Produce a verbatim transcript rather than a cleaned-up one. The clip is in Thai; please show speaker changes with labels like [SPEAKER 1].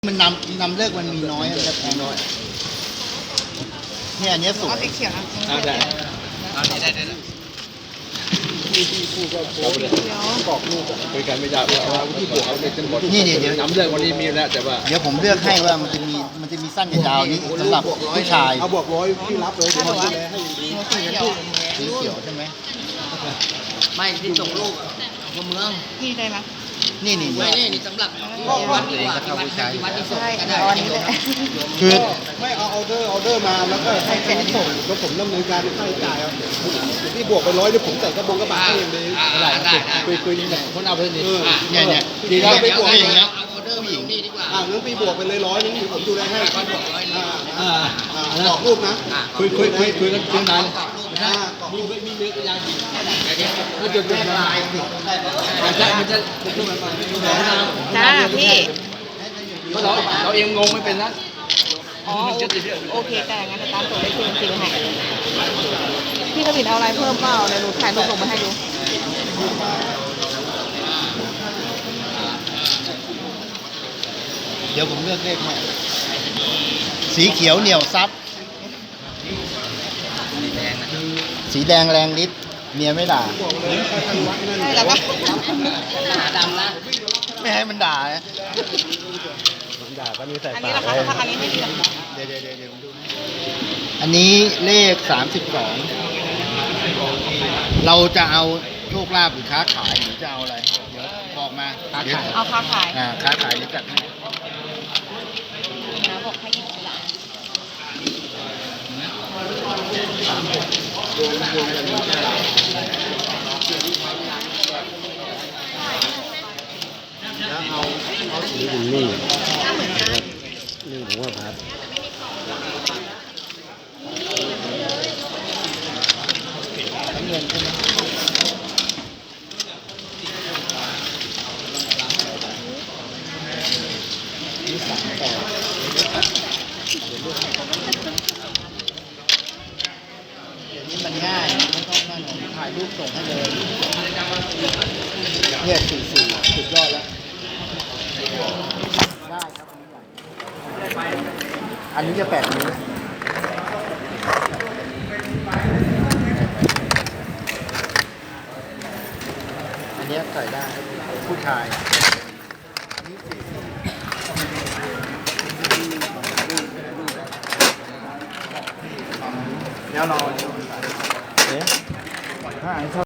[SPEAKER 1] มันนำนำเลิกมันมีน้อยมันจะแพงน้อยเนี่ยอันเนี้ยสวย
[SPEAKER 2] สีเขียวนะ
[SPEAKER 3] อ่าได้เอาได้ได้ได้ที่ที่พูดก็โป๊ะเลยบอกลูกคุยกันไม่ได้เพราะว่าที่บวกเขาเนี่ยจะหมด
[SPEAKER 1] นี่นี่เดี๋ยว
[SPEAKER 3] น้ำเลือดวันนี้มีแล้วแต่ว่า
[SPEAKER 1] เดี๋ยวผมเลือกให้ว่ามันจะมีมันจะมีสั้นกับยาวนี้สำหรับผู้ชาย
[SPEAKER 3] เอาบวกร้อยพี่รับเลยเดี๋ยวผมดูแลให้
[SPEAKER 2] สีเขียว
[SPEAKER 1] สีเขียวใช่ไหม
[SPEAKER 4] ไม่ที่ส่งลูกคนเมือง
[SPEAKER 2] พี่ได้ไหม
[SPEAKER 1] นี่นี่
[SPEAKER 4] ไม่นี่นี่สำหรับที่วัดดีกว่าที่วัดที่วัดที่ส่ง
[SPEAKER 2] ใช่
[SPEAKER 4] ก็
[SPEAKER 2] เอา
[SPEAKER 4] ได้
[SPEAKER 2] อันนี้เลย
[SPEAKER 1] คือ
[SPEAKER 3] ไม่เอาออเดอร์ออเดอร์มาแล้วก็ให้เขาส่งแล้วผมดำเนินการเป็นค่าใช้จ่ายครับที่บวกไปร้อยเดี๋ยวผมใส่กระบงกระบะให้อย่างเดียว
[SPEAKER 4] ได้ได้
[SPEAKER 3] คุยคุยนี่แหละคนเอาไปนี่
[SPEAKER 1] เนี่ยเนี่ย
[SPEAKER 3] ดีแล้วไป
[SPEAKER 4] เดี๋ยว
[SPEAKER 3] บวก
[SPEAKER 4] เดี๋
[SPEAKER 3] อย่างเงี้
[SPEAKER 4] ยวย เอาออเดอร์มาลงนี่ดีกว่า
[SPEAKER 3] อ่างั้นพี่บวกไปเลยร้อยนึงผมดูแลให้
[SPEAKER 4] ก็บวกร้อยนึง
[SPEAKER 3] อ่าอ่าบอกลูกนะคุยคุยคุยคุยกันคุยนาน
[SPEAKER 4] กรอบลูก
[SPEAKER 3] อ่า
[SPEAKER 4] นะ
[SPEAKER 3] มีมีเนื้อก็ยังดี
[SPEAKER 4] เดี๋ยว
[SPEAKER 3] มันจะเป็นลายสิมันจะมันจะมันจะมันจะ
[SPEAKER 2] จ้าพี่
[SPEAKER 3] เพราะเราเราเองงงไม่เป็นนะ
[SPEAKER 2] อ๋อโอเคแต่งั้นตามตัวได้คืนจริงให้พี่กระบินเอาอะไรเพิ่มเปล่าเดี๋ยวหนูถ่ายรูปส่งมาให้ดู
[SPEAKER 1] เดี๋ยวผมเลือกเลขให้สีเขียวเหนียวซับสีแดงแรงฤทธิ์เมียไม่ด่า
[SPEAKER 2] ใช่แล้วปะ
[SPEAKER 4] หนาดำนะ
[SPEAKER 1] ไม่ให้มันด่านะ
[SPEAKER 3] ด่าก็มีใส่
[SPEAKER 2] อัน
[SPEAKER 3] ปา
[SPEAKER 2] นี้
[SPEAKER 3] ก
[SPEAKER 2] ราคาราคาอันนี้ไม่ดีหรอก
[SPEAKER 1] เดี๋ยวเดี๋ยวเดี๋ยวเดี๋ยวผมดูให้อันนี้เลขสามสิบสองเราจะเอาโชคลาภหรือค้าขายหรือจะเอาอะไรเดี๋ยวบอกมาเดี๋ยว
[SPEAKER 2] เอาค้าขาย
[SPEAKER 1] อ่าค้าขายหรือจัดให้
[SPEAKER 2] นะบอกให้หยิบหลัง
[SPEAKER 3] นี่นี่นี่ผมว่าพัด
[SPEAKER 1] เงินใช่ไหมนี่สามแปดเดี๋ยวนี้มันง่ายไม่ต้องนั่นผมถ่ายรูปส่งให้เลยเนี่ยสี่สี่สุดยอดแล้วได้ครับอันนี้จะแปดนิ้วอันนี้ใส่ได้ผู้ชายอันนี้สี่สิบแล้วเราเนี่ยถ้าอัน